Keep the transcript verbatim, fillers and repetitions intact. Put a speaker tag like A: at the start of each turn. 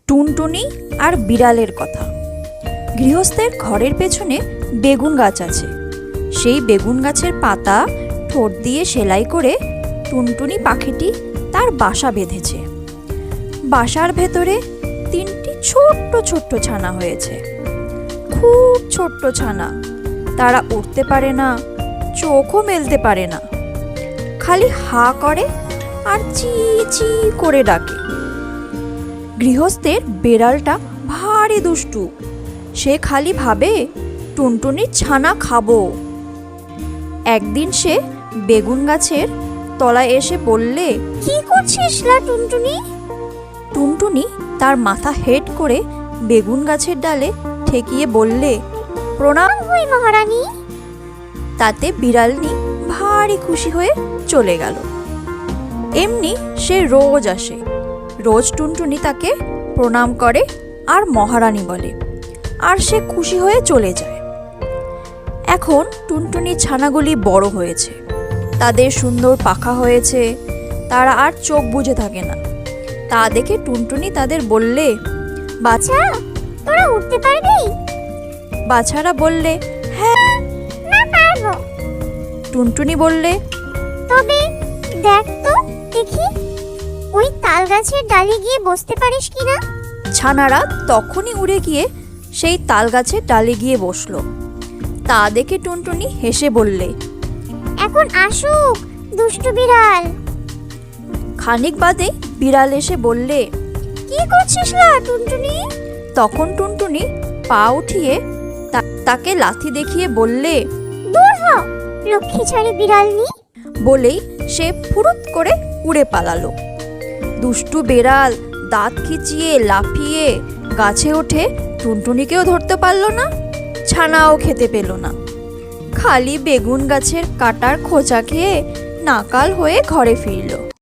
A: টুনটুনি আর বিড়ালের কথা। গৃহস্থের ঘরের পেছনে বেগুন গাছ আছে। সেই বেগুন গাছের পাতা ঠোঁট দিয়ে সেলাই করে টুনটুনি পাখিটি তার বাসা বেঁধেছে। বাসার ভেতরে তিনটি ছোট্ট ছোট্ট ছানা হয়েছে, খুব ছোট্ট ছানা। তারা উঠতে পারে না, চোখও মেলতে পারে না, খালি হা করে আর চি চি করে ডাকে। গৃহস্থের বেড়ালটা ভারী দুষ্টু। সে খালি ভাবে টুনটুনির ছানা খাবো। একদিন সে বেগুন গাছের তলায় এসে বললে,
B: কি করছিস লা টুনটুনি?
A: টুনটুনি তার মাথা হেট করে বেগুন গাছের ডালে ঠেকিয়ে বললে, প্রণাম
B: হই মহারানী।
A: তাতে বিড়ালনি ভারী খুশি হয়ে চলে গেল। এমনি সে রোজ আসে, রোজ টুনটুনি তাকে প্রণাম করে আর মহারানী বলে, আর সে খুশি হয়ে চলে যায়। এখন টুনটুনি ছানাগুলি বড় হয়েছে, তাদের সুন্দর পাখা হয়েছে, তারা আর চোখ বুজে থাকে না। তা দেখে টুনটুনি তাদের বললে,
B: বাছা, তোরা উঠতে পারবি?
A: বাছারা বললে, হ্যাঁ।
B: না পারবো।
A: টুনটুনি বললে,
B: তবে দেখ তো দেখি, ওই তাল গাছের ডালে গিয়ে বসতে পারিস কিনা।
A: ছানারা তখনই উড়ে গিয়ে সেই তাল গাছের ডালে গিয়ে বসলো। তা দেখে টুনটুনি হেসে বললে,
B: এখন আসুক দুষ্টু বিড়াল।
A: খানিক বাদে বিড়াল এসে বললে,
B: কি করছিস লা টুনটুনি?
A: তখন টুনটুনি পা উঠিয়ে তা- তাকে লাথি দেখিয়ে বললে,
B: দূর হ লক্ষ্মী ছাড়ি বিড়ালনি।
A: বলেই সে ফুরুত করে উড়ে পালালো। দুষ্টু বেড়াল দাঁত খিচিয়ে লাফিয়ে গাছে ওঠে টুনটুনিকেও ধরতে পারল না, ছানাও খেতে পেল না। খালি বেগুন গাছের কাটার খোঁচা খেয়ে নাকাল হয়ে ঘরে ফিরল।